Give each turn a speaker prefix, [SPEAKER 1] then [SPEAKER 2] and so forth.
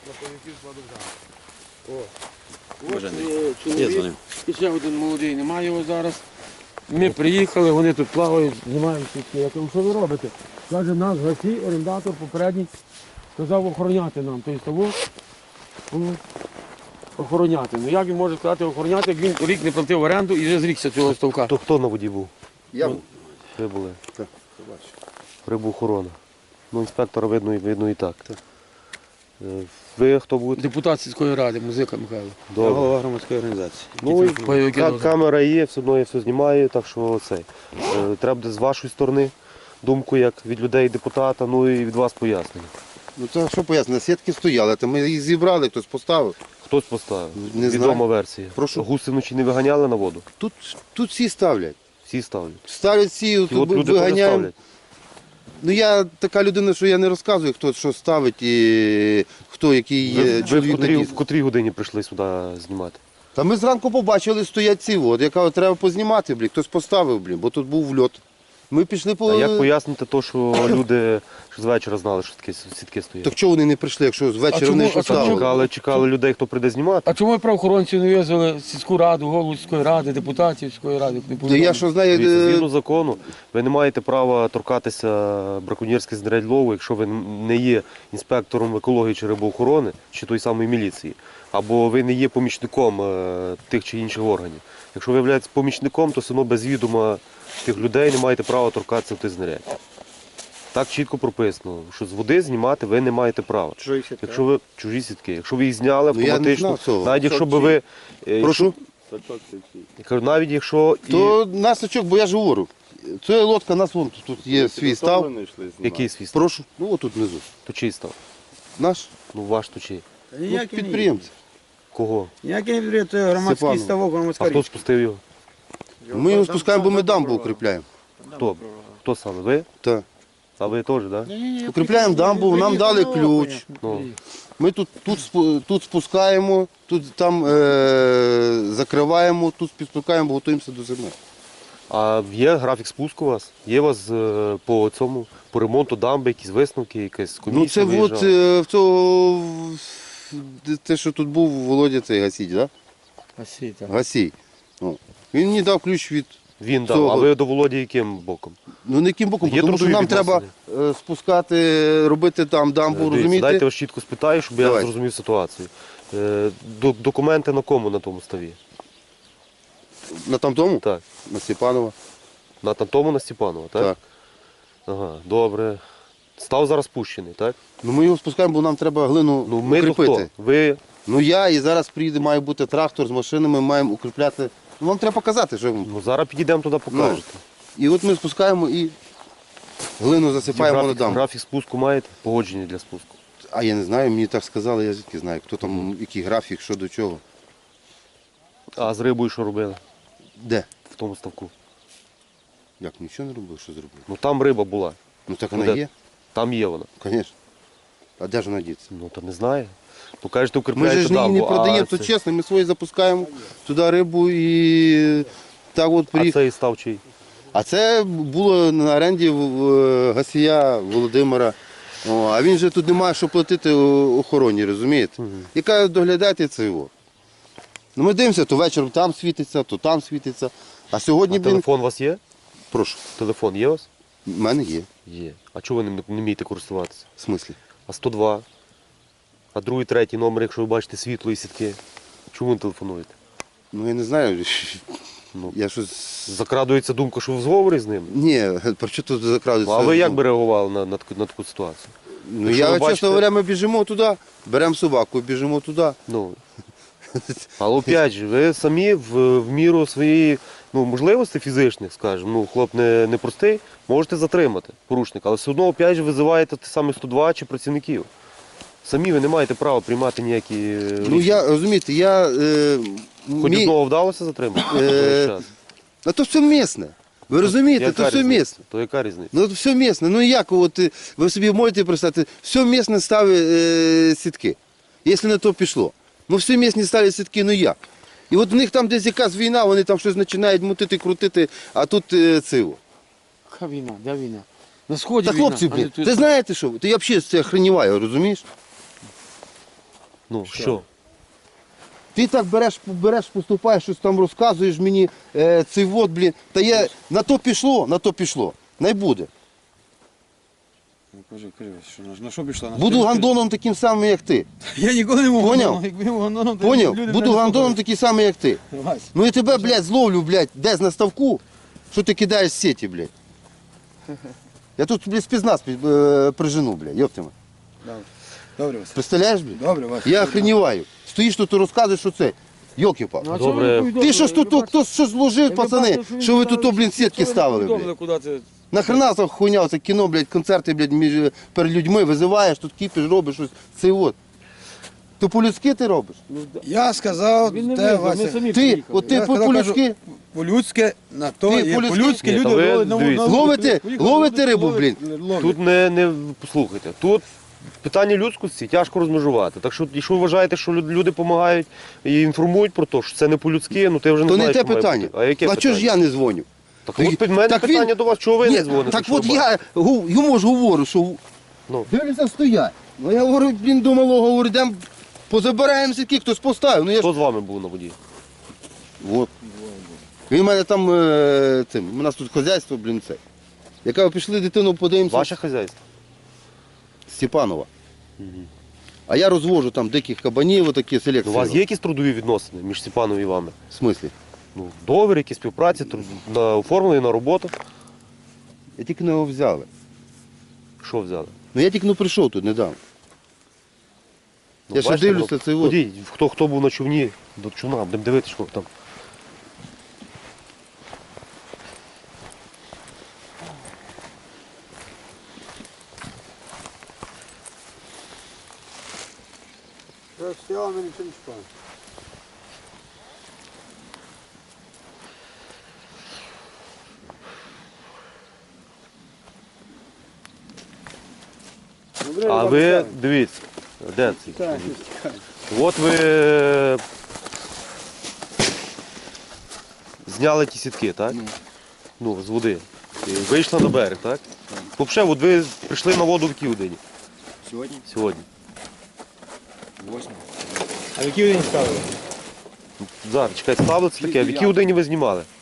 [SPEAKER 1] Клаповиків складу. Чоловік, і ще один молодий, немає його зараз. Ми приїхали, вони тут плавають, знімають сітки. Я кажу, що ви робите? Каже, нас гасі, орендатор попередній, казав охороняти нам. Тобто того охороняти. Ну як він може сказати охороняти, як він рік не платив оренду і вже зрікся цього ставка?
[SPEAKER 2] То хто на воді був?
[SPEAKER 3] Я був.
[SPEAKER 2] Ви були?
[SPEAKER 3] Так, побачив.
[SPEAKER 2] Рибоохорона. Ну, інспектора видно і так. Ви хто будете?
[SPEAKER 1] Депутат сільської ради, музика Михайло.
[SPEAKER 2] Добре.
[SPEAKER 3] Голова громадської організації.
[SPEAKER 2] Ну, і
[SPEAKER 1] Бойовики дозвіл.
[SPEAKER 2] камера є, все одно я все знімаю, так що це. Треба буде з вашої сторони думку, як від людей депутата, ну і від вас пояснення.
[SPEAKER 3] Ну це що пояснити, сітки стояли, то ми їх зібрали, хтось поставив.
[SPEAKER 2] Хтось поставив?
[SPEAKER 3] Не
[SPEAKER 2] Відома
[SPEAKER 3] знаю.
[SPEAKER 2] версія.
[SPEAKER 3] Прошу?
[SPEAKER 2] Гуси вночі не виганяли на воду?
[SPEAKER 3] Тут всі ставлять.
[SPEAKER 2] Всі ставлять.
[SPEAKER 3] Ставлять всі,
[SPEAKER 2] І
[SPEAKER 3] тут
[SPEAKER 2] от люди теж
[SPEAKER 3] виганяємо.
[SPEAKER 2] ставлять.
[SPEAKER 3] Ну я така людина, що я не розказую, хто що ставить і хто який
[SPEAKER 2] Ви
[SPEAKER 3] є
[SPEAKER 2] в
[SPEAKER 3] чоловік.
[SPEAKER 2] в котрій годині прийшли сюди знімати?
[SPEAKER 3] Та ми зранку побачили, стоять ці, от, я кажу, треба познімати, блін, хтось поставив, блін, бо тут був вльот. Ми пішли по...
[SPEAKER 2] А як пояснити те, що люди з вечора знали, що такі сітки стоять?
[SPEAKER 3] Так чого вони не прийшли, якщо з вечора
[SPEAKER 1] чому-
[SPEAKER 3] вони
[SPEAKER 1] а чому-
[SPEAKER 3] поставили?
[SPEAKER 2] Чекали людей, хто прийде знімати.
[SPEAKER 1] А чому правоохоронці не визвали сільську раду, голову сільської ради, депутатів сільської ради? Не
[SPEAKER 3] Та
[SPEAKER 1] повідомили?
[SPEAKER 3] я що знаю,
[SPEAKER 2] Дивіться, згідно закону, ви не маєте права торкатися браконьєрських знарядь лову, якщо ви не є інспектором екології чи рибоохорони, чи той самої міліції, або ви не є помічником тих чи інших органів. Якщо ви являєтесь помічником, то все одно без відома тих людей не маєте права торкатися в тих знарядь. Так чітко прописано, що з води знімати ви не маєте права. Якщо ви чужі сітки, якщо ви їх зняли
[SPEAKER 3] Ну, я не
[SPEAKER 2] автоматично,
[SPEAKER 3] знав цього.
[SPEAKER 2] навіть якщо б ви.
[SPEAKER 3] прошу,
[SPEAKER 2] Я кажу, навіть якщо
[SPEAKER 3] то нас очок, бо я ж говорю, це лодка, нас вон тут є свій став.
[SPEAKER 2] який свій став?
[SPEAKER 3] Прошу, ну отут внизу.
[SPEAKER 2] То чий став?
[SPEAKER 3] Наш
[SPEAKER 2] Ну ваш то чий?
[SPEAKER 3] ну, підприємці.
[SPEAKER 2] Кого?
[SPEAKER 4] Ніякий не бере, це громадський
[SPEAKER 3] Степанов.
[SPEAKER 4] ставок,
[SPEAKER 2] А
[SPEAKER 4] громадська
[SPEAKER 2] хто
[SPEAKER 4] річ.
[SPEAKER 2] спустив його?
[SPEAKER 3] Ми його спускаємо, бо ми дамбу укріпляємо.
[SPEAKER 2] Хто? Хто саме? Ви?
[SPEAKER 3] Так.
[SPEAKER 2] А ви теж, так? Да?
[SPEAKER 3] Укріпляємо дамбу, нам дали ключ.
[SPEAKER 2] Ну,
[SPEAKER 3] Ми тут спускаємо, тут там закриваємо, тут спускаємо, готуємося до зими.
[SPEAKER 2] а є графік спуску у вас? Є у вас по цьому, по ремонту дамби, якісь висновки, якась
[SPEAKER 3] Ну
[SPEAKER 2] комісія
[SPEAKER 3] це от
[SPEAKER 2] виїжджала?
[SPEAKER 3] в цього, те, що тут був Володя, цей Гасій, так?
[SPEAKER 1] Гасі, так.
[SPEAKER 3] Гасій. О. Він мені дав ключ від,
[SPEAKER 2] Він дав,
[SPEAKER 3] цього.
[SPEAKER 2] а ви до Володі яким боком?
[SPEAKER 3] ну не яким боком,
[SPEAKER 2] Є
[SPEAKER 3] тому що
[SPEAKER 2] трудові
[SPEAKER 3] нам треба спускати, робити там дамбу,
[SPEAKER 2] Дивіться,
[SPEAKER 3] розумієте?
[SPEAKER 2] дайте я вас чітко спитаю, щоб я
[SPEAKER 3] Давай.
[SPEAKER 2] зрозумів ситуацію. Документи на кому на тому ставі?
[SPEAKER 3] На тому?
[SPEAKER 2] Так.
[SPEAKER 3] На Степанова.
[SPEAKER 2] На тому на Степанова, так?
[SPEAKER 3] Так.
[SPEAKER 2] Ага, добре. Став зараз пущений, так?
[SPEAKER 3] Ну ми його спускаємо, бо нам треба глину
[SPEAKER 2] Ну ми то
[SPEAKER 3] укріпити.
[SPEAKER 2] хто? Ви
[SPEAKER 3] Ну я і зараз приїде, має бути трактор з машинами, маємо укріпляти. Ну вам треба показати, що.
[SPEAKER 2] ну, зараз підійдемо туди, покажете.
[SPEAKER 3] І от ми спускаємо і глину засипаємо на дамбу.
[SPEAKER 2] Графік спуску маєте? Погодження для спуску.
[SPEAKER 3] А я не знаю, мені так сказали, я звідки знаю, хто там, який графік, що до чого.
[SPEAKER 2] А з рибою що робили
[SPEAKER 3] Де?
[SPEAKER 2] в тому ставку?
[SPEAKER 3] Як, нічого не робив, що зробив?
[SPEAKER 2] Ну там риба була.
[SPEAKER 3] Ну так
[SPEAKER 2] Ну,
[SPEAKER 3] вона
[SPEAKER 2] де?
[SPEAKER 3] є,
[SPEAKER 2] Там є вона.
[SPEAKER 3] звісно. А де ж вона діться?
[SPEAKER 2] Ну то не знає. Покажете,
[SPEAKER 3] Ми
[SPEAKER 2] укріпляєте
[SPEAKER 3] ж її не
[SPEAKER 2] дамбу,
[SPEAKER 3] продаємо, то
[SPEAKER 2] це-
[SPEAKER 3] чесно, ми свої запускаємо туди рибу і так от
[SPEAKER 2] А
[SPEAKER 3] приїхали.
[SPEAKER 2] цей став чий?
[SPEAKER 3] А це було на оренді в Гасія Володимира. О, а він же тут не має що платити охороні, розумієте? Яка доглядати це його. Ну ми дивимося, то вечором там світиться, то там світиться. А сьогодні,
[SPEAKER 2] А телефон у вас є?
[SPEAKER 3] прошу,
[SPEAKER 2] Телефон є у вас?
[SPEAKER 3] в мене є.
[SPEAKER 2] Є. А чого ви не вмієте користуватися?
[SPEAKER 3] В смислі?
[SPEAKER 2] А 102? А другий, третій номер, якщо ви бачите світло і сітки. Чому не телефонуєте?
[SPEAKER 3] Ну я не знаю.
[SPEAKER 2] Ну,
[SPEAKER 3] Я щось.
[SPEAKER 2] закрадується думка, що ви в зговорі з ним.
[SPEAKER 3] Ні, про що тут закрадується?
[SPEAKER 2] А ви як би реагували на таку ситуацію?
[SPEAKER 3] Ну
[SPEAKER 2] Якщо
[SPEAKER 3] я,
[SPEAKER 2] ви
[SPEAKER 3] чесно
[SPEAKER 2] бачите-
[SPEAKER 3] говоря, ми біжимо туди, беремо собаку, біжимо туди.
[SPEAKER 2] Ну, але опять же, ви самі в міру своєї можливостей фізичних, скажімо, хлоп не простий, можете затримати порушника, але все одно опять же визиваєте те саме 102 чи працівників. Самі ви не маєте права приймати ніякі
[SPEAKER 3] Ну
[SPEAKER 2] рішення.
[SPEAKER 3] я, розумієте, я...
[SPEAKER 2] Хоч одного вдалося затримати? на той час?
[SPEAKER 3] А то все місне. Ви розумієте,
[SPEAKER 2] Яка
[SPEAKER 3] то все
[SPEAKER 2] різниця?
[SPEAKER 3] місне.
[SPEAKER 2] То яка різниця?
[SPEAKER 3] Ну все місне. Ну як от, ви собі можете представити, все місне ставить сітки. Якщо на то пішло. Ну все місне ставлять сітки, ну як? І от в них там десь якась війна, вони там щось починають мутити, крутити, а тут циво.
[SPEAKER 1] Яка війна? Де війна? На сході
[SPEAKER 3] Та
[SPEAKER 1] війна.
[SPEAKER 3] хлопці,
[SPEAKER 1] а не
[SPEAKER 3] блін,
[SPEAKER 1] тут.
[SPEAKER 3] ти знаєте що? Ти взагалі це охреніваю, розумієш?
[SPEAKER 2] Ну, що?
[SPEAKER 3] Ти так береш, поступаєш, щось там розказуєш мені, цей вот, блін. Та я на то пішло. Не буде.
[SPEAKER 4] Ну, кажи, на що пішла?
[SPEAKER 3] Буду гандоном таким самим, як ти.
[SPEAKER 4] Я ніколи не можу.
[SPEAKER 3] Поняв?
[SPEAKER 4] Якби я був гандоном, то
[SPEAKER 3] Поняв?
[SPEAKER 4] люди мене
[SPEAKER 3] Буду
[SPEAKER 4] не
[SPEAKER 3] гандоном
[SPEAKER 4] слухали.
[SPEAKER 3] такий самий, як ти.
[SPEAKER 4] Вась,
[SPEAKER 3] Ну і тебе, блядь, зловлю, блядь, десь на ставку, що ти кидаєш сеті, блядь. Я тут, блядь, спецназ прижену, блядь, йоптиме.
[SPEAKER 4] добре, Вась.
[SPEAKER 3] Представляєш, блядь?
[SPEAKER 4] Добре, Вась.
[SPEAKER 3] Я охреніваю. Стоїш тут і розказуєш, що це. Йоки-пал.
[SPEAKER 1] Ну, а
[SPEAKER 2] Добре.
[SPEAKER 1] чого ви повідомили?
[SPEAKER 3] Ти що ж тут,
[SPEAKER 1] Ви бачите,
[SPEAKER 3] хтось щось зложив, пацани,
[SPEAKER 1] він
[SPEAKER 3] що ви
[SPEAKER 1] сказав,
[SPEAKER 3] тут, блін, сітки
[SPEAKER 1] що ви
[SPEAKER 3] ставили,
[SPEAKER 1] повідомили,
[SPEAKER 3] блядь.
[SPEAKER 1] куди це?
[SPEAKER 3] Нахрена за хуйня, це кіно, блядь, концерти, блядь, перед людьми визиваєш, тут кіпиш, робиш щось. Це от. То по-людськи ти робиш?
[SPEAKER 1] Ну,
[SPEAKER 4] Я сказав,
[SPEAKER 1] Він не
[SPEAKER 4] те,
[SPEAKER 1] визнав, ми
[SPEAKER 4] Вася.
[SPEAKER 1] самі
[SPEAKER 3] Ти,
[SPEAKER 1] приїхали.
[SPEAKER 3] от ти
[SPEAKER 4] Я сказав,
[SPEAKER 3] по-людськи
[SPEAKER 4] По-людськи, на то
[SPEAKER 3] Ти
[SPEAKER 4] є
[SPEAKER 3] по-людськи?
[SPEAKER 4] по-людськи
[SPEAKER 2] Ні,
[SPEAKER 4] люди
[SPEAKER 2] та ви
[SPEAKER 4] ловлять
[SPEAKER 2] дивіться.
[SPEAKER 3] Ловите рибу, блін.
[SPEAKER 2] Тут не послухайте. Тут питання людськості тяжко розмежувати. Так що, якщо ви вважаєте, що люди допомагають і інформують про те, що це не по-людськи, ну ти вже не
[SPEAKER 3] то
[SPEAKER 2] знаєш,
[SPEAKER 3] не те
[SPEAKER 2] що має
[SPEAKER 3] питання.
[SPEAKER 2] бути. А яке
[SPEAKER 3] А чого ж
[SPEAKER 2] питання?
[SPEAKER 3] я не дзвоню?
[SPEAKER 2] Так от під мене
[SPEAKER 3] Так він-
[SPEAKER 2] питання до вас, чого ви не
[SPEAKER 3] Ні,
[SPEAKER 2] дзвоните?
[SPEAKER 3] так
[SPEAKER 2] що
[SPEAKER 3] от
[SPEAKER 2] ви бачите?
[SPEAKER 3] я йому ж говорю, що
[SPEAKER 2] Ну.
[SPEAKER 3] дивлюся, стоять. Ну я говорю, блін, до малого, говорю, йдемо, позабираємо сітки, хтось поставив. Ну я ж...
[SPEAKER 2] Хто з вами був на воді?
[SPEAKER 3] От. Він в мене там, у нас тут хазяйство, блін, це. Я кажу, пішли дитину подивимося.
[SPEAKER 2] Ваше хазяйство?
[SPEAKER 3] Степанова. А я розвожу там диких кабанів, отакі
[SPEAKER 2] У
[SPEAKER 3] селекції.
[SPEAKER 2] вас є якісь трудові відносини між Степаном і вами?
[SPEAKER 3] В смислі?
[SPEAKER 2] Ну, договір, які співпраці, на оформлені на роботу.
[SPEAKER 3] Я тільки не його взяли.
[SPEAKER 2] Що взяли?
[SPEAKER 3] Ну я тільки прийшов тут недавно.
[SPEAKER 2] Ну,
[SPEAKER 3] Я ще
[SPEAKER 2] бачите,
[SPEAKER 3] дивлюся,
[SPEAKER 2] ну,
[SPEAKER 3] це от.
[SPEAKER 2] ходіть, хто був на човні, до човна, будемо дивитися, що там.
[SPEAKER 4] Стояла, ми нічого не чіпали.
[SPEAKER 2] А ви дивіться, де це? От ви зняли ті сітки, так? Ну, з води. І вийшли на берег, так? Взагалі, от ви прийшли на воду в якій годині
[SPEAKER 4] Сьогодні?
[SPEAKER 2] сьогодні.
[SPEAKER 4] 8. А в який день ставили?
[SPEAKER 2] Зараз, чекайте, ставили це таке. В якій годині ви знімали?